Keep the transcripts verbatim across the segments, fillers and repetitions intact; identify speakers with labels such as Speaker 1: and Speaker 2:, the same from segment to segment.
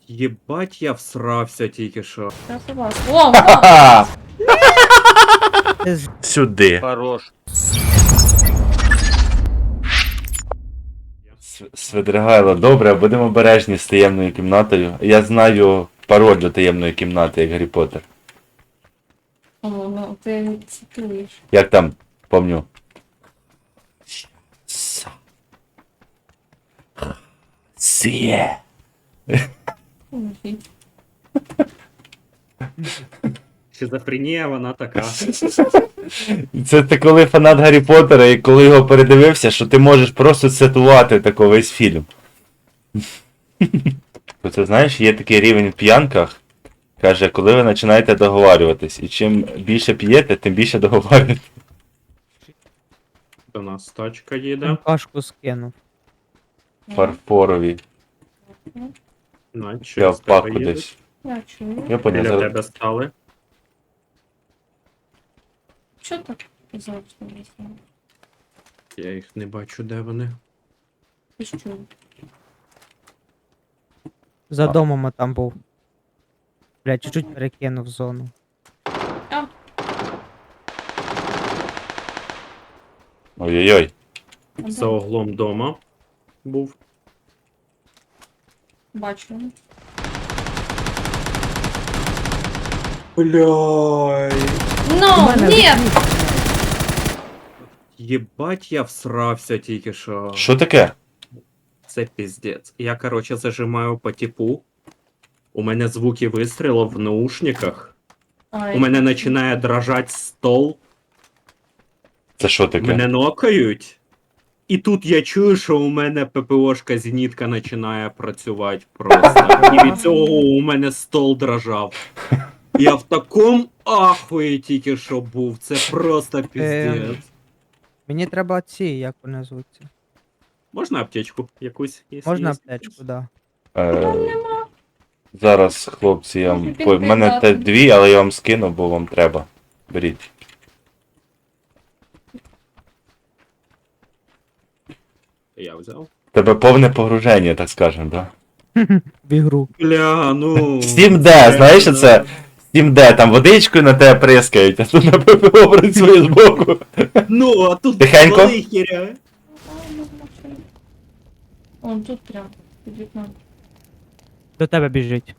Speaker 1: Єбать, я всрався тільки що.
Speaker 2: Я согласна. О, о!
Speaker 3: Ха!
Speaker 4: Ти з-
Speaker 3: Сюди.
Speaker 5: Хорош.
Speaker 3: С- Свидригайло, добре, будемо обережні з таємною кімнатою. Я знаю пароль до таємної кімнати, як Гаррі Поттер.
Speaker 2: О, ну ти цитуєш.
Speaker 3: Як там, помню. С- Сіє.
Speaker 2: Ой,
Speaker 1: Шизофренія, вона така.
Speaker 3: Це ти коли фанат Гаррі Поттера і коли його передивився, що ти можеш просто цитувати тако весь фільм. Це знаєш, є такий рівень в п'янках. Каже, коли ви починаєте договарюватись. І чим більше п'єте, тим більше договарюєтесь.
Speaker 1: До нас тачка їде.
Speaker 4: Кашку скинув.
Speaker 3: Фарфорові.
Speaker 1: На,
Speaker 3: Я
Speaker 1: через
Speaker 3: в
Speaker 1: тебе
Speaker 3: паку
Speaker 1: їдуть.
Speaker 3: десь.
Speaker 2: Я чую.
Speaker 3: Я поняв.
Speaker 1: Біля
Speaker 3: зараз-
Speaker 1: тебе стали.
Speaker 2: Що так завжди весело?
Speaker 1: Я їх не бачу, де вони.
Speaker 2: Ти що?
Speaker 4: За
Speaker 3: А.
Speaker 4: домом там був. Бля, чуть-чуть перекинув зону.
Speaker 3: Ой-ой-ой.
Speaker 2: А
Speaker 1: За
Speaker 2: де?
Speaker 1: углом дома був.
Speaker 2: Бачу.
Speaker 1: Бляй.
Speaker 2: Ну, ні!
Speaker 1: Єбать, я всрався тільки що.
Speaker 3: Що таке?
Speaker 1: Це піздець. Я, короче, зажимаю по типу. У мене звуки вистрілу в наушниках.
Speaker 2: Ай.
Speaker 1: У мене починає дрожати стол.
Speaker 3: Це що таке?
Speaker 1: Мене нокають. І тут я чую, що у мене ППОшка зенітка починає працювати просто. І від цього у мене стол дрожав. Я в такому ахуї тільки що був. Це просто піздець.
Speaker 4: Мені треба ці, як вони звуться.
Speaker 1: Можна аптечку якусь? якщо
Speaker 4: Можна
Speaker 1: є?
Speaker 4: аптечку, да.
Speaker 3: Е, зараз, хлопці, я вам...
Speaker 2: Можна
Speaker 3: по- в мене те
Speaker 2: підписати.
Speaker 3: дві, але я вам скину, бо вам треба. Беріть.
Speaker 1: Я взяв.
Speaker 3: Тебе повне погруження, так скажемо, да?
Speaker 4: В ігру.
Speaker 1: Бля, ну.
Speaker 3: Steam Д, знаєш що це? Steam Д, там водичкою на тебе прискають, а тут на ППО працює збоку.
Speaker 1: Ну, а тут
Speaker 3: Тихенько.
Speaker 1: стволи херя.
Speaker 2: Он тут прям під вікном.
Speaker 4: До тебе біжить.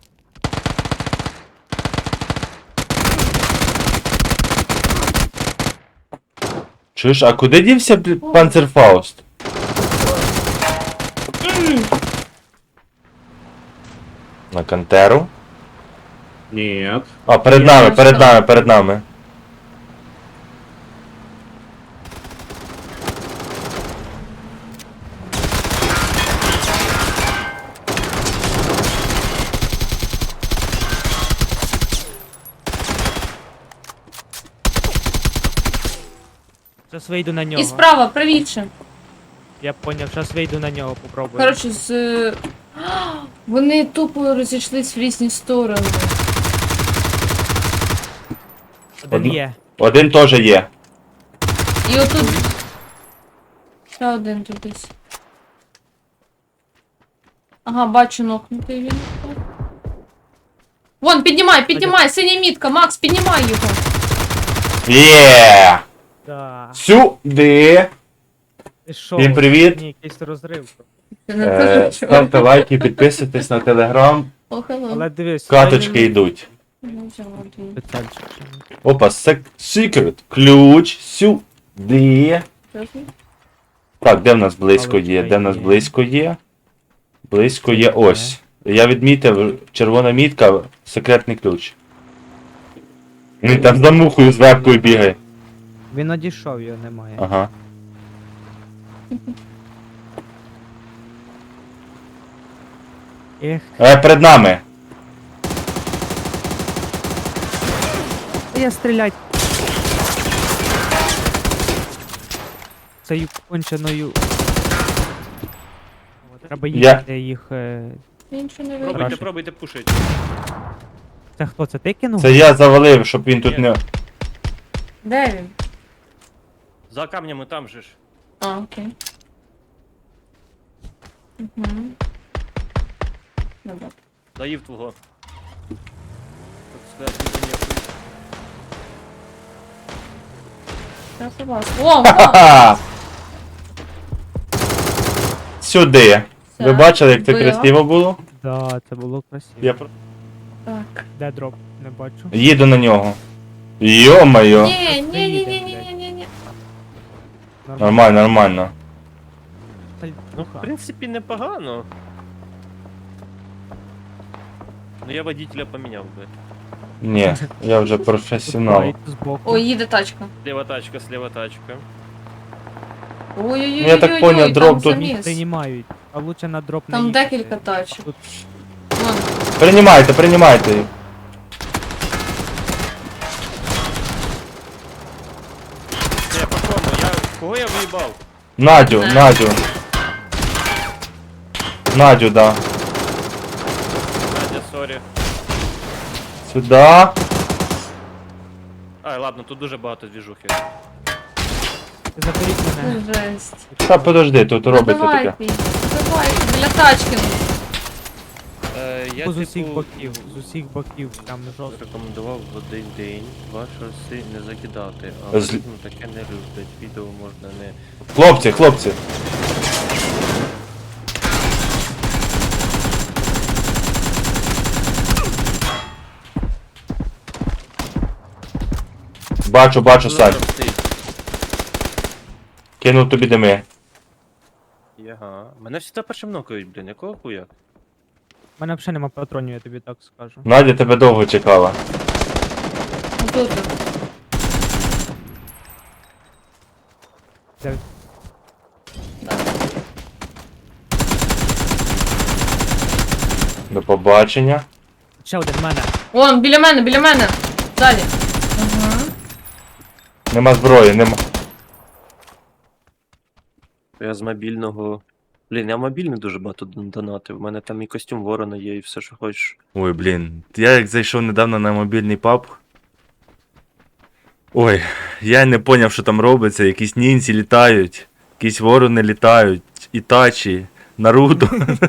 Speaker 3: Чуєш, а куди дівся бл- Панцерфауст? На Кантеру?
Speaker 1: Нет.
Speaker 3: А, перед
Speaker 2: Я
Speaker 3: нами,
Speaker 2: не
Speaker 3: перед
Speaker 2: знаю.
Speaker 3: нами, перед нами.
Speaker 4: Зараз вийду на нього.
Speaker 2: І справа, правіше.
Speaker 4: Я поняв, зараз вийду на нього, попробую.
Speaker 2: Коротше, з... е, а, Вони тупо розійшлись в різні сторони.
Speaker 4: Один
Speaker 3: Одну-
Speaker 4: є.
Speaker 3: Один теж є.
Speaker 2: І отут... Ще один тут десь. Ага, бачу нокнутий він. Вон, піднімай, піднімай, синя мітка, Макс, піднімай його.
Speaker 3: Є!
Speaker 4: Да.
Speaker 3: Сюди!
Speaker 4: Ти що?
Speaker 3: Всім привіт.
Speaker 4: Ні, якийсь розрив.
Speaker 2: Ти не
Speaker 3: Е,
Speaker 2: кажеш, що?
Speaker 3: ставте лайки, підписуйтесь на телеграм.
Speaker 2: О, hello.
Speaker 4: Але дивись.
Speaker 3: Каточки йдуть.
Speaker 2: Ну, взяла дві.
Speaker 4: Спеціальчик.
Speaker 3: Опа, сек... секрет. Ключ. Сюди.
Speaker 2: Чесно?
Speaker 3: Так, де в нас близько є?
Speaker 4: Паличка
Speaker 3: Де в нас
Speaker 4: є.
Speaker 3: близько є? Близько є ось. Я відмітив, червона мітка, секретний ключ. Він там за мухою з вебкою бігає.
Speaker 4: Він одійшов, його немає.
Speaker 3: Ага.
Speaker 4: Ех,
Speaker 3: Е, перед нами.
Speaker 4: та я стрілять. Цією конченою. О, треба
Speaker 3: Я-
Speaker 4: їхати їх. е,
Speaker 2: Я нічого не
Speaker 5: Пробуйте,
Speaker 2: вижу.
Speaker 4: Хорошо.
Speaker 5: пробуйте пушить.
Speaker 4: Це хто? Це ти кинув?
Speaker 3: Це я завалив, щоб він тут
Speaker 5: Ні.
Speaker 3: не...
Speaker 2: Де він?
Speaker 5: За камнями там же ж.
Speaker 2: А, окей. Угу. Добре.
Speaker 5: Доїв твого. Так сказати, ти ніхуй.
Speaker 2: Я побачила. О, о!
Speaker 3: Ха! Сюди. Ви
Speaker 2: Все,
Speaker 3: бачили, як це
Speaker 2: вбила.
Speaker 3: красиво було?
Speaker 4: Да, це було красиво.
Speaker 3: Я про-
Speaker 2: Так.
Speaker 4: Де дроп? Не бачу.
Speaker 3: їду на нього. Йо-моє.
Speaker 2: Ні, ні, ні, ні, ні, ні, ні, ні.
Speaker 3: Нормально, нормально.
Speaker 5: Ну, в принципі, непогано. Ну я водителя поміняв би.
Speaker 3: Ні, я вже професіонал.
Speaker 4: Збоку.
Speaker 2: Ой, їде тачка.
Speaker 5: Слева тачка, слева тачка.
Speaker 2: Ой-ой-ой.
Speaker 3: Ну, я так поняв, дроп тут-
Speaker 2: заміс.
Speaker 4: Приймають. А лучше на дроп не
Speaker 2: Там
Speaker 4: їхати.
Speaker 2: декілька тачок.
Speaker 4: Тут
Speaker 2: Вон.
Speaker 3: Приймайте, приймайте їх.
Speaker 5: Це я по кому? Я... Кого я виїбав?
Speaker 3: Надю,
Speaker 2: Не.
Speaker 3: Надю. Надю, да.
Speaker 5: Надя, сорі.
Speaker 3: Сюда.
Speaker 5: Ай, ладно, тут дуже багато двіжухи.
Speaker 4: заберіть мене.
Speaker 2: Жесть.
Speaker 3: Та подожди, тут
Speaker 2: Ну,
Speaker 3: робиться
Speaker 2: давайте,
Speaker 3: таке.
Speaker 2: давайте, біля тачки.
Speaker 5: Е, я,
Speaker 4: З усіх
Speaker 5: типу,
Speaker 4: боків, з усіх боків, там жорстко.
Speaker 5: рекомендував в один день два шоси не закидати, а
Speaker 3: З-
Speaker 5: ну, таке не люблять. Відео можна не...
Speaker 3: Хлопці, хлопці. Бачу, бачу,
Speaker 5: Ну,
Speaker 3: Сань.
Speaker 5: там стоїть.
Speaker 3: Кинув тобі дими.
Speaker 5: Ага. Мене всі першим нокають, блін, якого хуя?
Speaker 4: У мене взагалі нема патронів, я тобі так скажу.
Speaker 3: Надя тебе довго чекала.
Speaker 2: Тут.
Speaker 4: Де?
Speaker 3: До побачення.
Speaker 4: Ще один в мене.
Speaker 2: Вон, біля мене, біля мене. Далі. Ага.
Speaker 3: Нема зброї, нема.
Speaker 5: Я з мобільного. Блін, я мобільний дуже багато дон- донатив. У мене там і костюм ворона є, і все, що хочеш.
Speaker 3: Ой, блін. Я як зайшов недавно на мобільний паб. Ой, я не поняв, що там робиться. Якісь нінці літають, якісь ворони літають, ітачі, Наруто.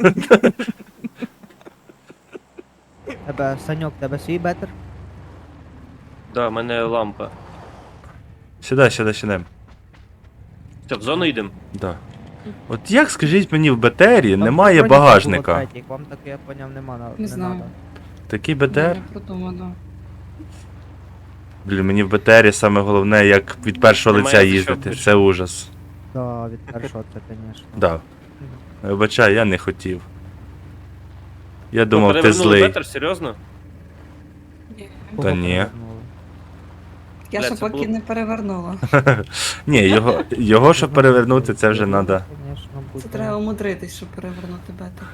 Speaker 4: Тебе, Саньок, тебе свій бетер?
Speaker 5: Да, в мене лампа.
Speaker 3: Сюди, сюди, сюди.
Speaker 5: Все, в зону йдемо.
Speaker 3: Да. От як, скажіть мені, в БТРі
Speaker 4: Там
Speaker 3: немає
Speaker 4: броніка було
Speaker 3: багажника?
Speaker 4: третій, Вам так, я поняв, нема, на- не
Speaker 2: знаю.
Speaker 4: надо.
Speaker 3: Такий БТР?
Speaker 2: Я подумала.
Speaker 3: Блін, мені в БТРі саме головне, як від першого
Speaker 5: Немає
Speaker 3: лиця
Speaker 5: за що
Speaker 3: їздити.
Speaker 5: більше.
Speaker 3: Це ужас.
Speaker 4: Да, від першого це, звісно.
Speaker 3: Да. Вибачай, я не хотів. Я
Speaker 5: Ну,
Speaker 3: думав, ти
Speaker 5: перевернули
Speaker 3: злий.
Speaker 5: бетер, серйозно?
Speaker 3: Та ні.
Speaker 6: Я
Speaker 5: Бля,
Speaker 6: ще
Speaker 5: це
Speaker 6: поки
Speaker 5: було-
Speaker 6: не перевернула.
Speaker 3: Ні, його, його щоб перевернути, це вже треба.
Speaker 6: Це треба умудритись, щоб перевернути бетер.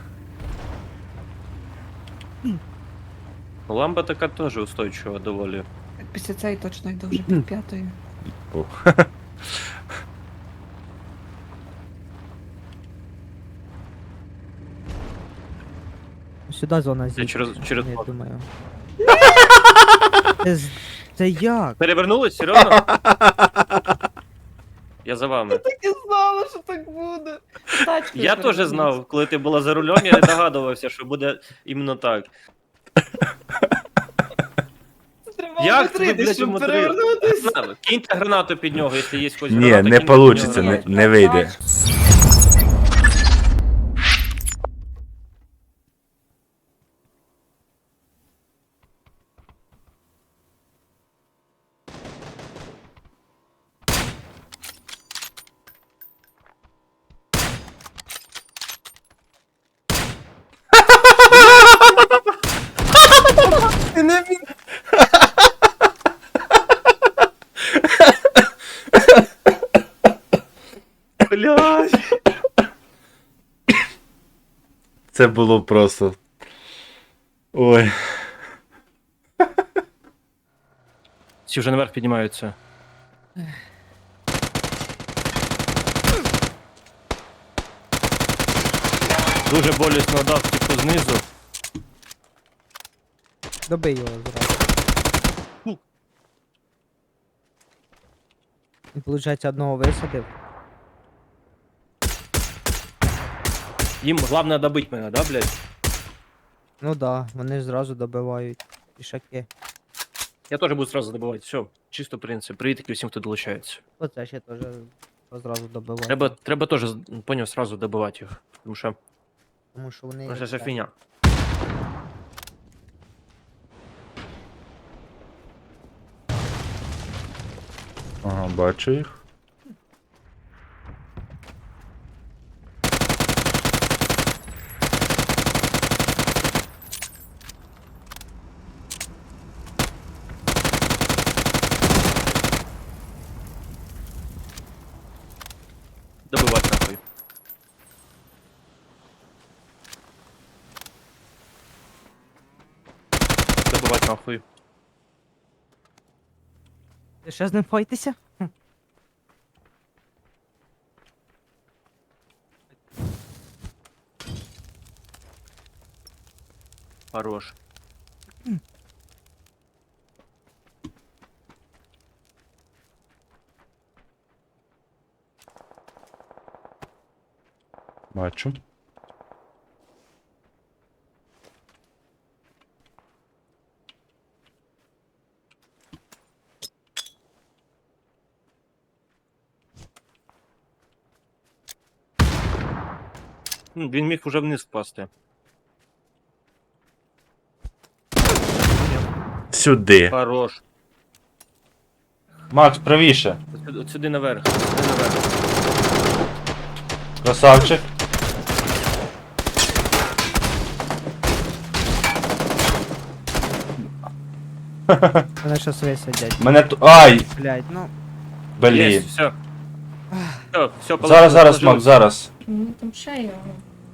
Speaker 5: Ну, лампа така теж устойчива доволі.
Speaker 6: Так після цієї точно йду вже під п'ятою.
Speaker 4: Сюди зона зі.
Speaker 5: через- через
Speaker 4: Я
Speaker 5: вход.
Speaker 4: думаю. Це, з- це як?
Speaker 5: Перевернулись, серйозно? Я за вами.
Speaker 6: Так і знала, що так буде. Тачкою
Speaker 5: Я теж
Speaker 6: перевернусь.
Speaker 5: знав, коли ти була за рулем, я не догадувався, що буде іменно так.
Speaker 6: Треба
Speaker 5: Як ви,
Speaker 6: умудритись,
Speaker 5: блядь,
Speaker 6: щоб
Speaker 5: умудрили?
Speaker 6: перевернутись.
Speaker 5: Гранату. Киньте гранату під нього, якщо є хоч
Speaker 3: Ні,
Speaker 5: граната,
Speaker 3: не
Speaker 5: киньте
Speaker 3: вийде,
Speaker 5: під
Speaker 3: не,
Speaker 5: нього.
Speaker 3: не вийде.
Speaker 5: Блядь.
Speaker 3: Це було просто. Ой.
Speaker 5: Всі вже наверх піднімаються. Дуже болісно дав типу знизу.
Speaker 4: Добий його зразу. Він, виходить, одного висадив.
Speaker 5: Їм головне добити мене, да, блядь?
Speaker 4: Ну да, вони зразу добивають пішаки.
Speaker 5: Я теж буду сразу добивати. Все, чисто принцип. Привітки всім, хто долучається.
Speaker 4: Оце ще теж зразу добивають.
Speaker 5: Треба, треба теж, поняв, сразу добивати їх. Тому що
Speaker 4: Тому що вони...
Speaker 5: ну, це ж
Speaker 4: так,
Speaker 5: фігня.
Speaker 3: Ага, бачу їх.
Speaker 5: Добивати нахуй. Добивати нахуй.
Speaker 4: Ти ще з ним файтися?
Speaker 5: Хорош.
Speaker 3: Бачу.
Speaker 5: М, Він міг уже вниз впасти.
Speaker 3: Сюди.
Speaker 5: Хорош.
Speaker 3: Макс, правіше.
Speaker 5: От сюди- От сюди наверх. Сюди наверх.
Speaker 3: Красавчик.
Speaker 4: Вони щас висадять.
Speaker 3: Мене ту. Ай!
Speaker 4: Блять, ну...
Speaker 5: Є,
Speaker 3: Блін.
Speaker 5: все. Все, все,
Speaker 3: Зараз, зараз, Макс, зараз.
Speaker 2: Ну там ще його.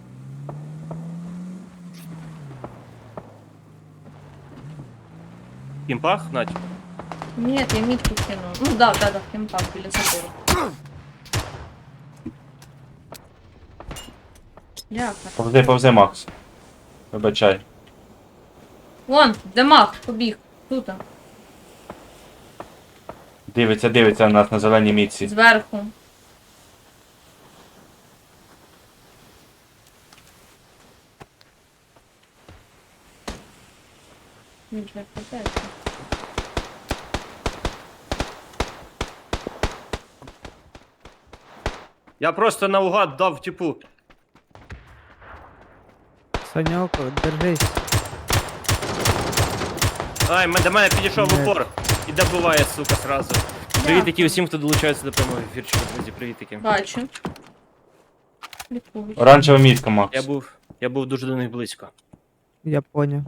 Speaker 5: Кімпах, Надь.
Speaker 2: Ні, я мітку кинув. Ну да, да, да, в кемпах біля забору. Ляха.
Speaker 3: Повзи, повзи, Макс. Вибачай.
Speaker 2: Вон, Демах, побіг. Тут.
Speaker 3: Дивиться, дивиться на нас на зеленій мітці.
Speaker 2: Зверху. Він вже питається.
Speaker 5: Я просто наугад дав типу.
Speaker 4: Саньок, держись.
Speaker 5: Ай, м- до мене підійшов
Speaker 4: Ні.
Speaker 5: упор. І добиває, сука, сразу. Привітики усім, хто долучається до прямого ефірчика, друзі, привітики.
Speaker 2: Бачу. Лікую.
Speaker 3: Оранжева мітка,
Speaker 5: Я
Speaker 3: Макс.
Speaker 5: був, я був дуже до них близько.
Speaker 4: Я поняв.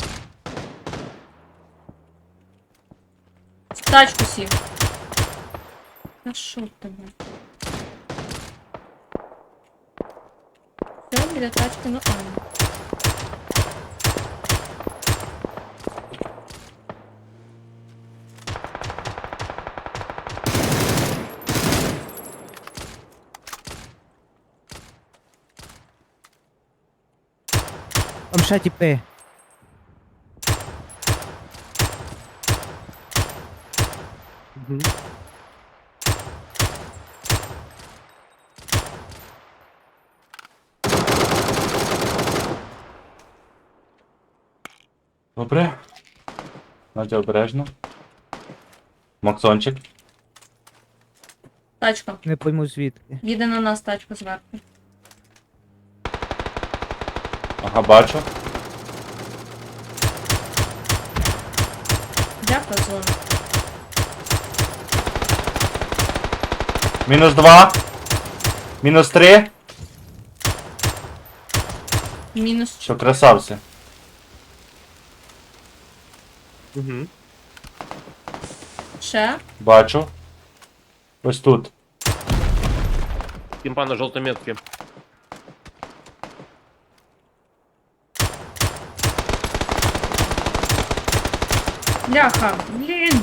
Speaker 2: В тачку сів. А що в тебе? Все, біля тачки, ну а.
Speaker 4: Там ще тіпи. Угу.
Speaker 3: Добре. Надя обережно. Максончик.
Speaker 2: Тачка.
Speaker 4: Не пойму звідки.
Speaker 2: Їде на нас тачка зверху.
Speaker 3: Ага, бачу.
Speaker 2: Дякую, зону.
Speaker 3: Мінус два. Мінус три.
Speaker 2: Мінус
Speaker 3: Що, красавці.
Speaker 5: Угу.
Speaker 2: ще.
Speaker 3: Бачу. Ось тут.
Speaker 5: Кімпа на жовтій метці.
Speaker 2: Ляха, блін.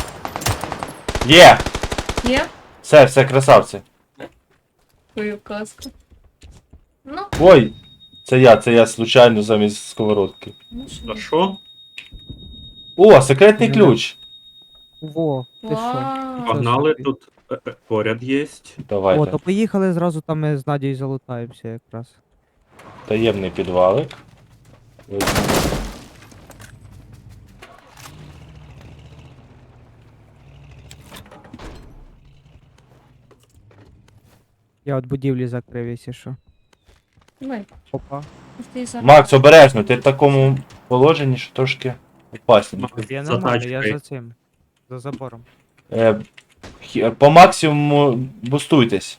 Speaker 3: Є!
Speaker 2: Є?
Speaker 3: Все, все, красавці.
Speaker 2: Твою казку. Ну,
Speaker 3: Ой! Це я, це я случайно замість сковородки.
Speaker 2: ну
Speaker 1: А
Speaker 2: що.
Speaker 1: що?
Speaker 3: О, секретний
Speaker 4: Ну,
Speaker 3: ключ!
Speaker 4: Во, ти що?
Speaker 2: Вау.
Speaker 1: Погнали,
Speaker 4: собі.
Speaker 1: тут е, е, поряд єсть.
Speaker 4: О,
Speaker 3: Давайте.
Speaker 4: то поїхали зразу там ми з Надією залутаємося якраз.
Speaker 3: Таємний підвалик.
Speaker 4: Я от будівлі закрив, якщо що.
Speaker 2: Давай,
Speaker 4: Опа.
Speaker 2: ти зараз.
Speaker 3: Макс, обережно, ти в такому положенні, що трошки опасно.
Speaker 4: Я
Speaker 1: За
Speaker 4: нормально, я
Speaker 1: тачкою.
Speaker 4: за цим. За забором.
Speaker 3: Е, хі- по максимуму бустуйтесь.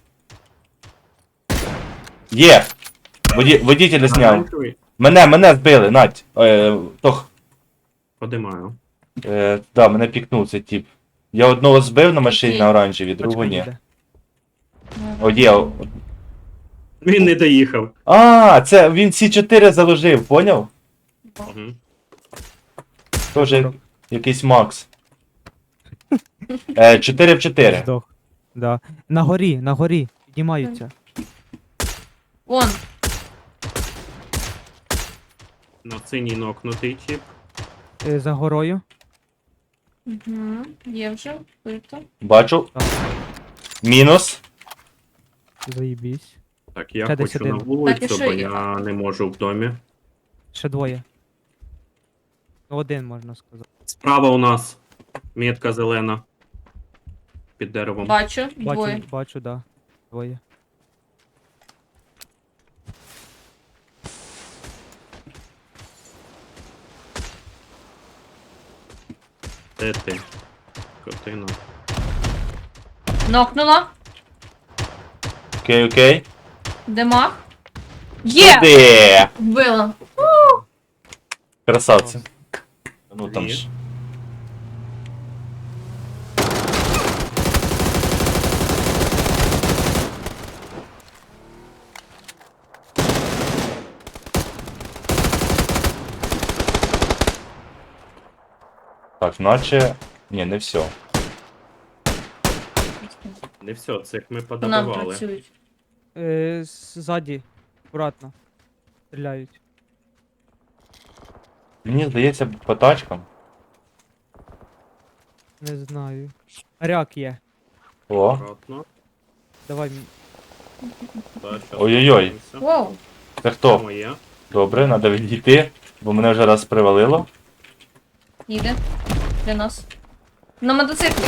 Speaker 3: Є! Воді, водителя зняв.
Speaker 1: Оранжевий.
Speaker 3: Мене, мене збили, Надь. Е, тох.
Speaker 1: Подимаю.
Speaker 3: Е, да, мене пікнув цей тип. Я одного збив на машині
Speaker 2: Окей.
Speaker 3: на оранжевій, другого
Speaker 4: Тачка
Speaker 3: ні.
Speaker 4: їде.
Speaker 3: О, є. о-
Speaker 1: Він не доїхав.
Speaker 3: А, це він Сі чотири заложив, поняв?
Speaker 1: Угу.
Speaker 3: Тоже якийсь Макс. Е, чотири в чотири.
Speaker 4: Здох. Да. На горі, на горі. Піднімаються.
Speaker 2: Вон,
Speaker 1: На синій нокнутий тип.
Speaker 4: Е, За горою.
Speaker 2: угу. Є вже, вбито.
Speaker 3: Бачу.
Speaker 4: Так.
Speaker 3: Мінус.
Speaker 4: Заїбісь.
Speaker 1: Так, я
Speaker 4: Ще десь
Speaker 1: хочу на
Speaker 4: один.
Speaker 1: вулицю,
Speaker 2: Так, і що
Speaker 1: бо
Speaker 2: є?
Speaker 1: я не можу в домі.
Speaker 4: Ще двоє. Ну, один можна сказати.
Speaker 1: Справа у нас метка зелена. Під деревом.
Speaker 2: Бачу, двоє.
Speaker 4: Бачу, бачу, да. Двоє.
Speaker 1: Де ти? Котина.
Speaker 2: Нокнула.
Speaker 3: Окей, окей.
Speaker 2: Демах. Є!
Speaker 3: Де?
Speaker 2: Вбила.
Speaker 3: Красавці. Ну там
Speaker 1: Є.
Speaker 3: ж. Так, наче. Ні, не все.
Speaker 1: Не все, цих ми
Speaker 2: По нам
Speaker 1: подобивали.
Speaker 2: працюють.
Speaker 4: Е, ззаді. Акуратно. Стріляють.
Speaker 3: Мені здається, по тачкам.
Speaker 4: Не знаю. Ряк є.
Speaker 3: О.
Speaker 1: Акуратно.
Speaker 4: Давай. м-
Speaker 1: Да, щас
Speaker 3: Ой-ой-ой.
Speaker 1: подивимося.
Speaker 2: Воу.
Speaker 3: Це
Speaker 1: Це
Speaker 3: хто?
Speaker 1: моє.
Speaker 3: Добре, треба відійти, бо мене вже раз привалило.
Speaker 2: Їде. Для нас. На мотоциклі.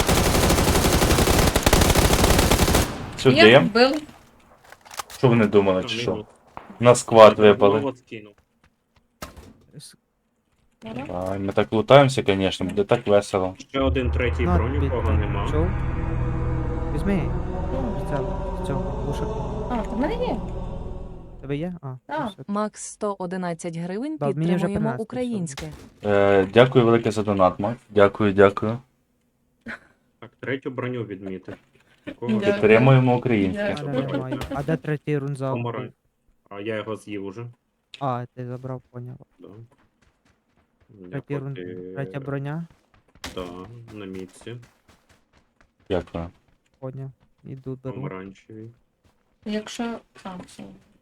Speaker 2: Я
Speaker 3: Сюди.
Speaker 2: вбив.
Speaker 3: Що вони думали,
Speaker 1: Там
Speaker 3: чи що?
Speaker 1: мінус.
Speaker 3: На сквад
Speaker 1: Одного
Speaker 3: випали.
Speaker 1: от скинув.
Speaker 4: с-
Speaker 3: Ай, ми так лутаємося, звісно, буде так весело.
Speaker 1: Ще один третій
Speaker 4: на,
Speaker 1: броню,
Speaker 4: під-
Speaker 1: кого нема.
Speaker 4: Чув? Візьми. Це, цього, глушак.
Speaker 2: А, в мене є.
Speaker 4: Тебе є? А,
Speaker 2: Так.
Speaker 4: все.
Speaker 7: Макс сто одинадцять гривень,
Speaker 4: Да, мені вже
Speaker 7: підтримуємо
Speaker 4: принесли
Speaker 7: українське.
Speaker 3: Е, дякую велике за донат, Мак. Дякую, дякую.
Speaker 1: Так, третю броню відмітив. Нікого
Speaker 2: Дякую.
Speaker 3: Підтримуємо українське.
Speaker 2: Дякую.
Speaker 4: А, немає. А де третій рунзал?
Speaker 1: Помарай. А я його з'їв уже.
Speaker 4: А, ти забрав, поняв.
Speaker 1: Да.
Speaker 4: Третій рун...
Speaker 1: поки-
Speaker 4: Третя броня,
Speaker 1: Да, на мітці.
Speaker 3: Дякую.
Speaker 4: поняв. Іду беру.
Speaker 1: Помаранчевий.
Speaker 2: Якщо. А, все.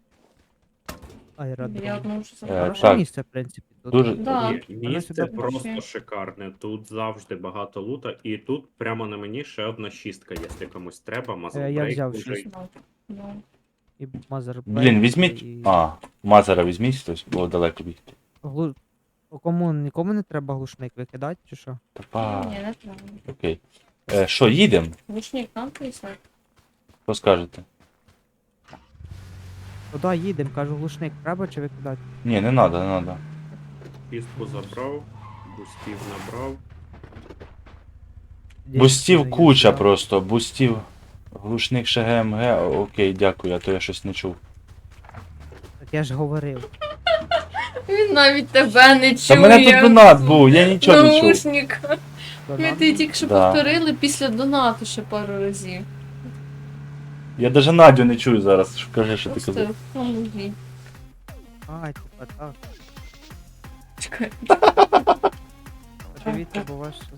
Speaker 2: Я
Speaker 4: Аеродром.
Speaker 2: одну вже
Speaker 3: Е,
Speaker 2: забрала.
Speaker 4: Хороше
Speaker 3: так.
Speaker 4: місце, в принципі, тут.
Speaker 3: Дуже.
Speaker 2: Да.
Speaker 1: Ні, місце
Speaker 4: сюди
Speaker 1: просто
Speaker 2: пошли.
Speaker 1: шикарне. Тут завжди багато лута, і тут прямо на мені ще одна шістка, якщо комусь треба.
Speaker 4: Е, я
Speaker 1: Мазербрейк
Speaker 4: взяв
Speaker 1: лежить.
Speaker 4: шість.
Speaker 2: Ну, ну.
Speaker 4: І мазер.
Speaker 3: Блін, візьміть.
Speaker 4: І...
Speaker 3: А, Мазера візьміть хтось, бо далеко бігти.
Speaker 4: Глу... Кому нікому не треба глушник викидати, чи що?
Speaker 3: Та па.
Speaker 2: Ні, не треба.
Speaker 3: Окей. Е, що, їдемо?
Speaker 2: Лучник нам прислав.
Speaker 3: Що скажете?
Speaker 4: Туди їдемо, кажу, глушник треба чи викидати?
Speaker 3: Ні, не треба, не треба.
Speaker 1: Пістку забрав, бустів набрав.
Speaker 3: Бустів
Speaker 4: Дійсно,
Speaker 3: куча
Speaker 4: є, да.
Speaker 3: просто, бустів. Глушник ще ГМГ, О, окей, дякую, а то я щось не чув.
Speaker 4: Так я ж говорив.
Speaker 2: Він навіть тебе не чує.
Speaker 3: Та мене тут донат був, я нічого не чув.
Speaker 2: Наушник. Ми
Speaker 4: Донат.
Speaker 2: ти тільки що
Speaker 3: Да.
Speaker 2: повторили після донату ще пару разів.
Speaker 3: Я навіть Надю не чую зараз. Що- Кажи, що ти
Speaker 2: Просто
Speaker 3: казав.
Speaker 2: в голові.
Speaker 4: А, типа так.
Speaker 2: Чекай.
Speaker 4: Подивіться, бо ваш щас...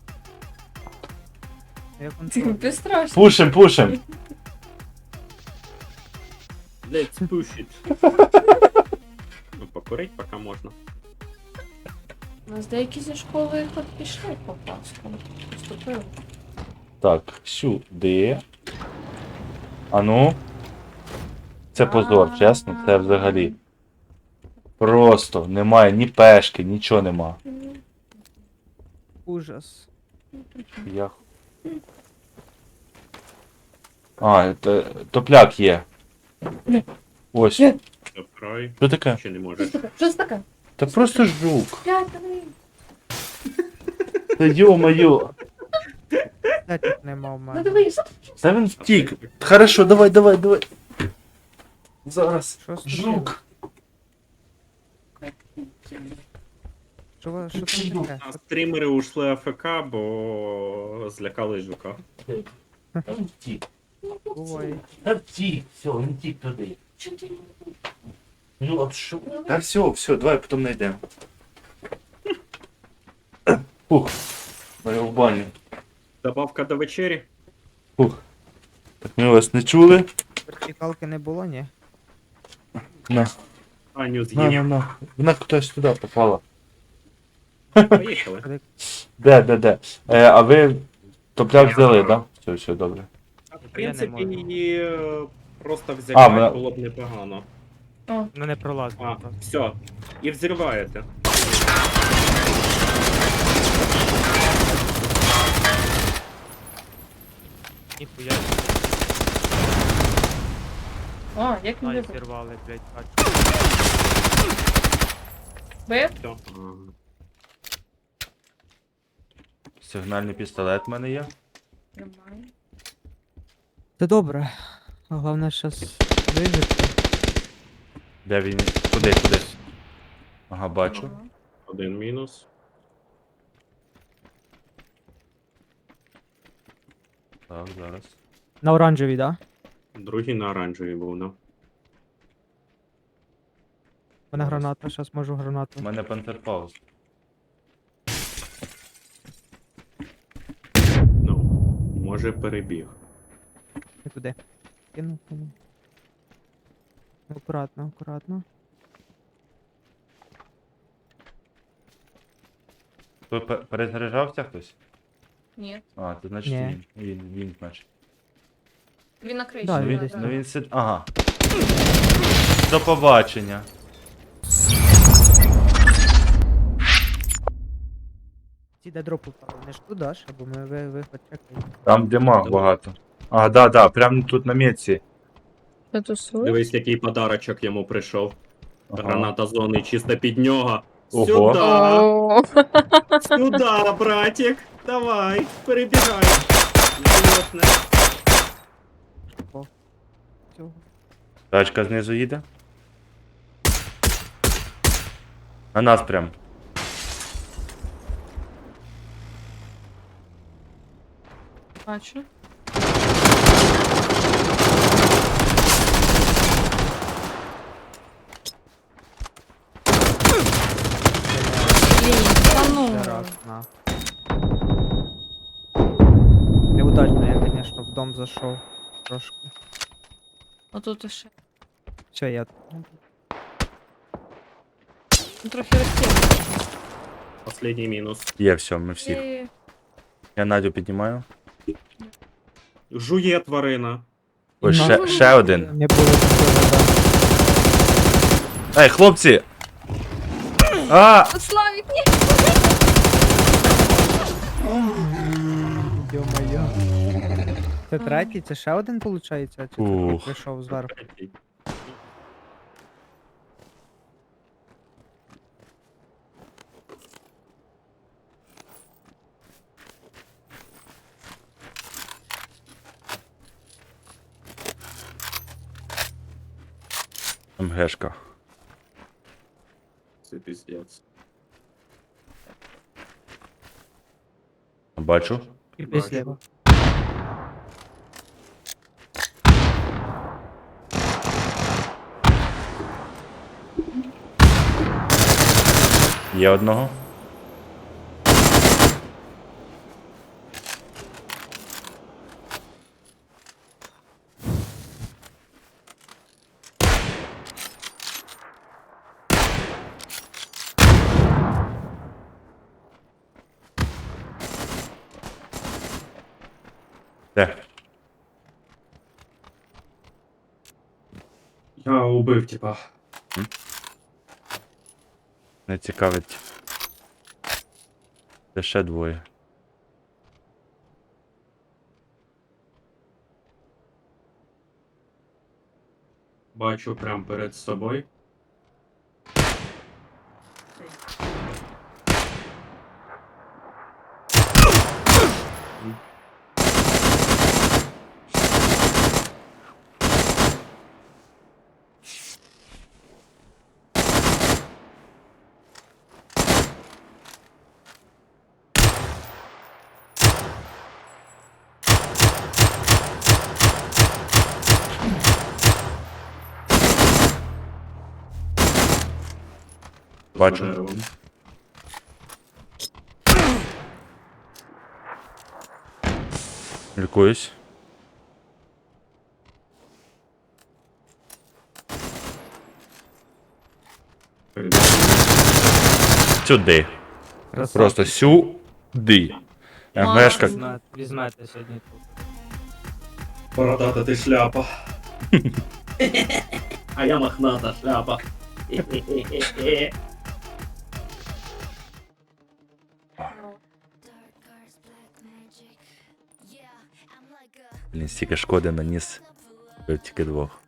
Speaker 4: Я
Speaker 2: Ти
Speaker 4: контроль.
Speaker 2: безстрашно.
Speaker 3: Пушим, пушим.
Speaker 1: Let's push it. Ну, покурить поки можна.
Speaker 2: У нас деякі зі школи от пішли по паску. Поступили.
Speaker 3: Так, сюди. А ну. Це позор, чесно, це взагалі. Просто немає ні пешки, нічого нема.
Speaker 4: Ужас.
Speaker 3: Я... А, т- топляк є. Ось.
Speaker 1: Забирай.
Speaker 3: Що таке?
Speaker 1: Чи не можеш?
Speaker 2: Що це таке?
Speaker 3: Та просто жук.
Speaker 2: Блядь, давай.
Speaker 3: Та йо-моє.
Speaker 4: Де тут нема в
Speaker 2: Ну
Speaker 4: мене?
Speaker 2: дивись.
Speaker 3: Та він втік. Хорошо, давай, давай, давай. Зараз.
Speaker 4: Що з
Speaker 3: Жук.
Speaker 4: Що, ви- що там таке?
Speaker 1: А стрімери ушли АФК, бо злякали жука.
Speaker 3: Та він втік.
Speaker 4: Буває.
Speaker 3: Та втік. Все, він втік туди. Ну, а що? Та все, все, давай потім знайдемо. Фух. Ми в баню.
Speaker 1: Добавка до вечері.
Speaker 3: Фух. Так ми вас не чули.
Speaker 4: Вертикалки не було, ні?
Speaker 3: На.
Speaker 1: Аню
Speaker 3: На,
Speaker 1: з'їв.
Speaker 3: на, на. Вона кудись туди попала.
Speaker 1: Поїхали.
Speaker 3: Де, де, де? Е, а ви топляк взяли, так? Да? Все, все, добре.
Speaker 1: В
Speaker 4: Я не
Speaker 1: принципі,
Speaker 4: можу.
Speaker 1: її е, просто
Speaker 3: А,
Speaker 1: взяти
Speaker 3: вона-
Speaker 1: було б непогано.
Speaker 4: Ну не пролазить
Speaker 1: А,
Speaker 4: просто.
Speaker 1: все. І взриваєте.
Speaker 4: Ніхуя.
Speaker 2: О, як він
Speaker 4: Ай,
Speaker 2: вибив.
Speaker 4: зірвали, блядь, бачу.
Speaker 2: Бив?
Speaker 1: Все.
Speaker 3: Сигнальний пістолет в мене є.
Speaker 2: Немає.
Speaker 4: Це добре. А головне щас вижити.
Speaker 3: Де він? Куди, куди? Ага, бачу.
Speaker 2: Ага.
Speaker 1: Один мінус.
Speaker 3: Так, зараз.
Speaker 4: На оранжевій, да?
Speaker 1: Другий на оранжевій був, ну.
Speaker 4: У мене граната, щас можу
Speaker 3: У
Speaker 4: гранату.
Speaker 3: мене пантерпауз.
Speaker 1: Ну, може перебіг.
Speaker 4: Не туди. Кину, кину. Акуратно, акуратно.
Speaker 3: Ви пе- перезаряджався хтось?
Speaker 2: Ні.
Speaker 3: А, це значить
Speaker 4: Ні.
Speaker 3: він. Він, він, значить.
Speaker 2: Він на криші.
Speaker 4: Да,
Speaker 3: Ну
Speaker 4: він
Speaker 3: він,
Speaker 4: десь
Speaker 3: ну він сид... Ага. До побачення.
Speaker 4: Ці де дропу впали, не шкодаш, або ми ви, виход чекаємо.
Speaker 3: Там дима багато. А, да, да, прямо тут на місці.
Speaker 2: Ти тусуєш?
Speaker 1: Дивись, який подарочок йому прийшов.
Speaker 3: Ага.
Speaker 1: Граната зони чисто під нього.
Speaker 3: Ого.
Speaker 1: Сюда!
Speaker 2: О,
Speaker 1: Сюда, братик! Давай, перебігай. Звісно.
Speaker 4: Цього.
Speaker 3: Тачка знизу їде. На нас прям.
Speaker 2: бачу. Блін, та ну.
Speaker 4: Ще раз, на. Неудачно, я, конечно, в дом зайшов. Трошки.
Speaker 2: Отут ще.
Speaker 4: Все, я.
Speaker 2: Ну, трохи розтягнуто.
Speaker 1: Последній мінус.
Speaker 3: Є, все, ми всі.
Speaker 2: Є.
Speaker 3: Я Надю піднімаю.
Speaker 1: Жує тварина.
Speaker 3: Ось
Speaker 4: Ну.
Speaker 3: ще, ще один.
Speaker 4: Не було такого, да.
Speaker 3: Ей, хлопці! А!
Speaker 2: Славік, ні!
Speaker 4: Йо-моє. Це третій, це ще один, виходить? Чи це
Speaker 3: Ух.
Speaker 4: прийшов зверху?
Speaker 3: МГшка.
Speaker 1: Це піздець.
Speaker 3: Бачу.
Speaker 4: І після.
Speaker 3: Є одного. Де?
Speaker 1: Я убив, типа.
Speaker 3: М? Не цікавить. Це ще двоє.
Speaker 1: Бачу прямо перед собою.
Speaker 3: Бачу.
Speaker 1: За деревом.
Speaker 3: Лікуюсь.
Speaker 1: Перед-
Speaker 3: Сюди. Просто сюди. МГшка.
Speaker 4: Візьмете, візьмете сьогодні тут.
Speaker 1: Бородата ти шляпа. А я мохната шляпа.
Speaker 3: Блін, стільки шкоди наніс. Бив тільки двох.